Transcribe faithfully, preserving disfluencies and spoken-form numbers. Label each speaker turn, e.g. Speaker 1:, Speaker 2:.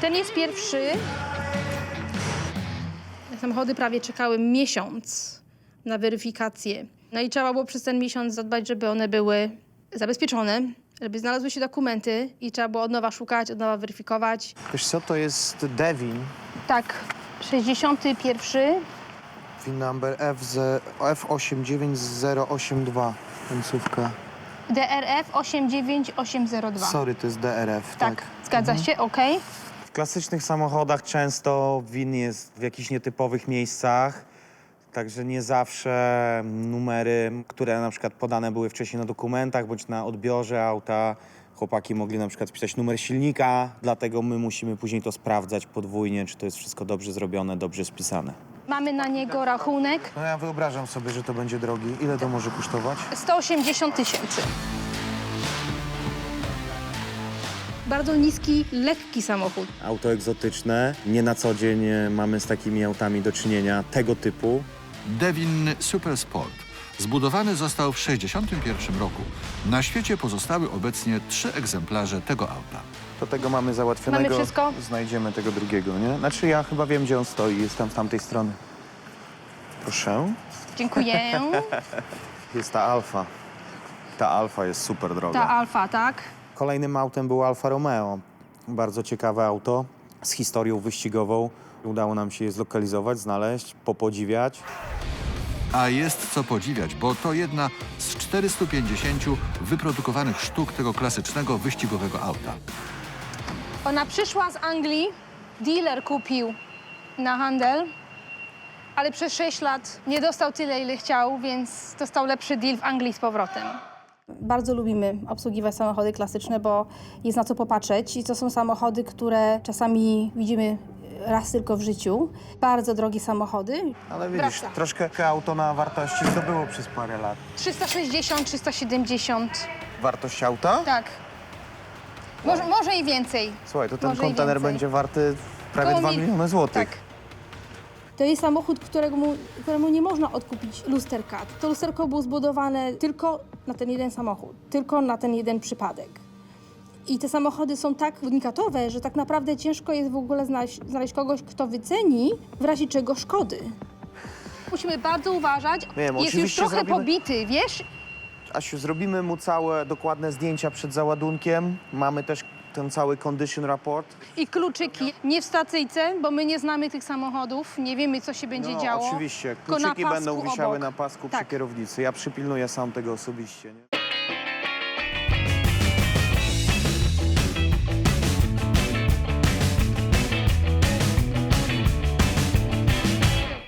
Speaker 1: Ten jest pierwszy. Samochody prawie czekały miesiąc na weryfikację. No i trzeba było przez ten miesiąc zadbać, żeby one były zabezpieczone, żeby znalazły się dokumenty i trzeba było od nowa szukać, od nowa weryfikować.
Speaker 2: Wiesz co, to jest Devin.
Speaker 1: Tak, sześćdziesiąty pierwszy.
Speaker 2: VIN number F osiem dziewięć zero osiem dwa. Końcówka.
Speaker 1: D R F osiem dziewięć osiem zero dwa.
Speaker 2: Sorry, to jest D R F,
Speaker 1: Tak,
Speaker 2: tak.
Speaker 1: zgadza się, okej.
Speaker 3: W klasycznych samochodach często win jest w jakichś nietypowych miejscach, także nie zawsze numery, które na przykład podane były wcześniej na dokumentach bądź na odbiorze auta, chłopaki mogli na przykład wpisać numer silnika, dlatego my musimy później to sprawdzać podwójnie, czy to jest wszystko dobrze zrobione, dobrze spisane.
Speaker 1: Mamy na niego rachunek
Speaker 2: No ja wyobrażam sobie, że to będzie drogi. Ile to może kosztować?
Speaker 1: sto osiemdziesiąt tysięcy. Bardzo niski, lekki samochód.
Speaker 3: Auto egzotyczne, nie na co dzień mamy z takimi autami do czynienia tego typu.
Speaker 4: Devin Super Sport. Zbudowany został w tysiąc dziewięćset sześćdziesiątym pierwszym roku. Na świecie pozostały obecnie trzy egzemplarze tego auta.
Speaker 2: Do tego mamy załatwionego.
Speaker 1: Mamy wszystko?
Speaker 2: Znajdziemy tego drugiego, nie? Znaczy ja chyba wiem, gdzie on stoi. Jest tam z tamtej strony. Proszę.
Speaker 1: Dziękuję.
Speaker 2: Jest ta Alfa. Ta Alfa jest super droga.
Speaker 1: Ta Alfa, tak?
Speaker 3: Kolejnym autem był Alfa Romeo. Bardzo ciekawe auto z historią wyścigową. Udało nam się je zlokalizować, znaleźć, popodziwiać.
Speaker 4: A jest co podziwiać, bo to jedna z czterystu pięćdziesięciu wyprodukowanych sztuk tego klasycznego wyścigowego auta.
Speaker 1: Ona przyszła z Anglii, dealer kupił na handel, ale przez sześć lat nie dostał tyle, ile chciał, więc dostał lepszy deal w Anglii z powrotem. Bardzo lubimy obsługiwać samochody klasyczne, bo jest na co popatrzeć i to są samochody, które czasami widzimy raz tylko w życiu. Bardzo drogie samochody.
Speaker 2: Ale widzisz,
Speaker 1: Wraca.
Speaker 2: troszkę auto na wartości zdobyło przez parę lat.
Speaker 1: trzysta sześćdziesiąt, trzysta siedemdziesiąt,
Speaker 2: Wartość auta?
Speaker 1: tak. Może, może i więcej.
Speaker 2: Słuchaj, to ten
Speaker 1: Może i
Speaker 2: kontener
Speaker 1: więcej.
Speaker 2: będzie warty prawie
Speaker 1: Koło
Speaker 2: dwa
Speaker 1: mil-
Speaker 2: miliony złotych.
Speaker 1: Tak. To jest samochód, któremu, któremu nie można odkupić lusterka. To lusterko było zbudowane tylko na ten jeden samochód, tylko na ten jeden przypadek. I te samochody są tak unikatowe, że tak naprawdę ciężko jest w ogóle znaleźć, znaleźć kogoś, kto wyceni w razie czego szkody. Musimy bardzo uważać.
Speaker 2: Wiem,
Speaker 1: jest już
Speaker 2: oczywiście
Speaker 1: trochę
Speaker 2: zrobimy-
Speaker 1: pobity, wiesz?
Speaker 2: Asiu, zrobimy mu całe dokładne zdjęcia przed załadunkiem. Mamy też ten cały condition report.
Speaker 1: I kluczyki. Nie w stacyjce, bo my nie znamy tych samochodów, nie wiemy, co się będzie
Speaker 2: No,
Speaker 1: działo.
Speaker 2: oczywiście.
Speaker 1: tylko na
Speaker 2: Kluczyki będą
Speaker 1: pasku
Speaker 2: wisiały
Speaker 1: obok.
Speaker 2: na pasku
Speaker 1: Tak.
Speaker 2: przy kierownicy. Ja przypilnuję sam tego osobiście. Nie?